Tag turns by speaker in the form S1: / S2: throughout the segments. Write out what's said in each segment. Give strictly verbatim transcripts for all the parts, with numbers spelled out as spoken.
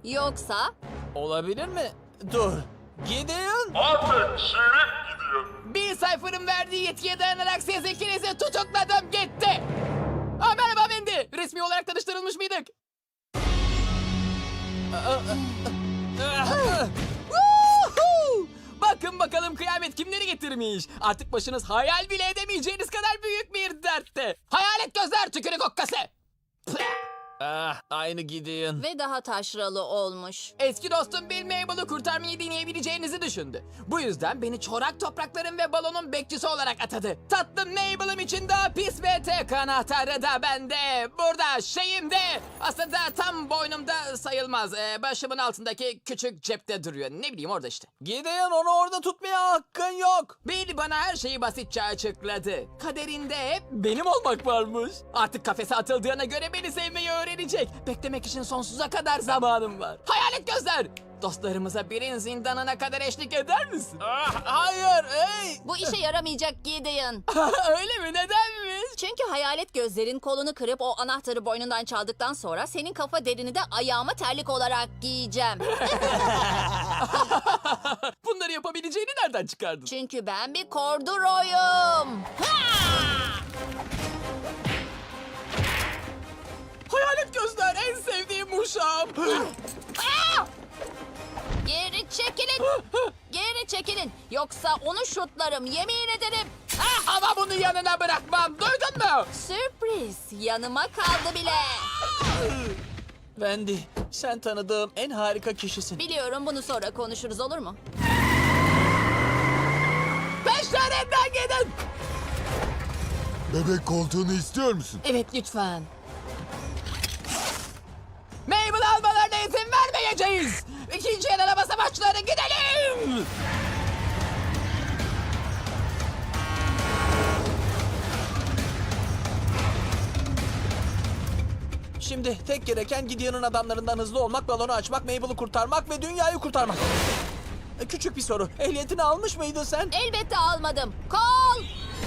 S1: Yoksa
S2: Olabilir mi? Dur. Gideon.
S3: Artık şirin gidiyor.
S2: Bir sayfanın verdiği yetkiye dayanarak siz ikinizi tutukladım gitti. Aa, merhaba Wendy. Resmi olarak tanıştırılmış mıydık? Woohoo! Bakın bakalım kıyamet kimleri getirmiş. Artık başınız hayal bile edemeyeceğiniz kadar büyük bir dertte. Hayalet gözler tükürük okkası. Ah, aynı Gideon.
S1: ve daha taşralı olmuş.
S2: Eski dostum Bill Mabel'ı kurtarmayı deneyebileceğinizi düşündü. Bu yüzden beni çorak toprakların ve balonun bekçisi olarak atadı. Tatlım Mabel'ım için daha pis ve tek anahtarı da bende. Burada şeyimde. Aslında tam boynumda sayılmaz. Ee, başımın altındaki küçük cepte duruyor. Ne bileyim orada işte. Gideon, onu orada tutmaya hakkın yok. Bill bana her şeyi basitçe açıkladı. Kaderinde hep benim olmak varmış. Artık kafese atıldığına göre beni sevmeyi öğrenecek. Beklemek için sonsuza kadar zamanım var. Hayalet gözler! Dostlarımıza birin zindanına kadar eşlik eder misin? Ah, hayır, ey!
S1: Bu işe yaramayacak Gideon.
S2: Öyle mi? Nedenmiş?
S1: Çünkü hayalet gözlerin kolunu kırıp o anahtarı boynundan çaldıktan sonra senin kafa derini de ayağıma terlik olarak giyeceğim.
S2: Bunları yapabileceğini nereden çıkardın?
S1: Çünkü ben bir korduroyum. Ha!
S2: Hayalet gözler en sevdiğim uşağım.
S1: Aa! Geri çekilin. Geri çekilin. Yoksa onu şutlarım, yemin ederim.
S2: Ah, ama bunu yanına bırakmam. Duydun mu?
S1: Sürpriz. Yanıma kaldı bile.
S2: Wendy, sen tanıdığım en harika kişisin.
S1: Biliyorum, bunu sonra konuşuruz, olur mu?
S2: Peşlerinden gidin.
S4: Bebek koltuğunu istiyor musun?
S2: Evet, lütfen. Mabel almalarına izin vermeyeceğiz. İkinci el araba savaşçıları, gidelim. Şimdi tek gereken Gideon'un adamlarından hızlı olmak, balonu açmak, Mabel'ı kurtarmak ve dünyayı kurtarmak. E, Küçük bir soru. Ehliyetini almış mıydın sen?
S1: Elbette almadım. Kol!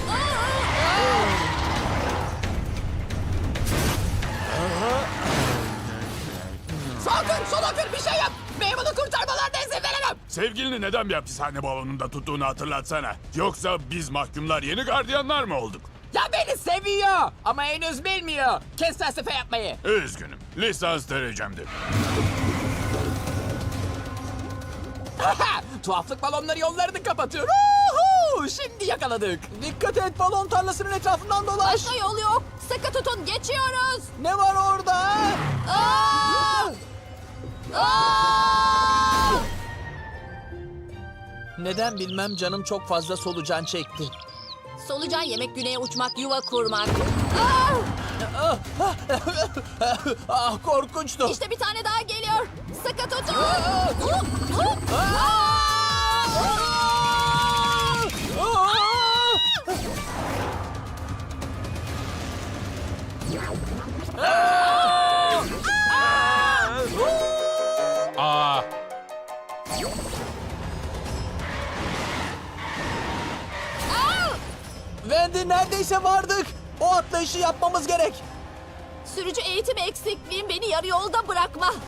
S2: Sakın sola kır, bir şey yap. Mabel'ı kurtarmalarına izin veremem.
S3: Sevgilini neden bir hapishane balonunda tuttuğunu hatırlatsana. Yoksa biz mahkumlar yeni gardiyanlar mı olduk?
S2: Ya beni seviyor ama henüz bilmiyor. Kes felsefe yapmayı.
S3: Üzgünüm. Lisans derecemdir.
S2: Tuhaflık balonları yollarını kapatıyor. Uhu! Şimdi yakaladık. Dikkat et, balon tarlasının etrafından dolaş.
S1: Başka yol yok. Sıkı tutun, geçiyoruz.
S2: Ne var orada?
S1: Aa! Aa!
S2: Neden bilmem canım çok fazla solucan çekti.
S1: Solucan yemek, güneye uçmak, yuva kurmak. Aa!
S2: Ah, korkunçtu.
S1: İşte bir tane daha geliyor. Sıkı tutun.
S2: Aa!
S1: Hup, hup.
S2: Aa!
S3: Aa,
S2: Wendy, neredeyse vardık. O atlayışı yapmamız gerek.
S1: Sürücü eğitim eksikliğim beni yarı yolda bırakma.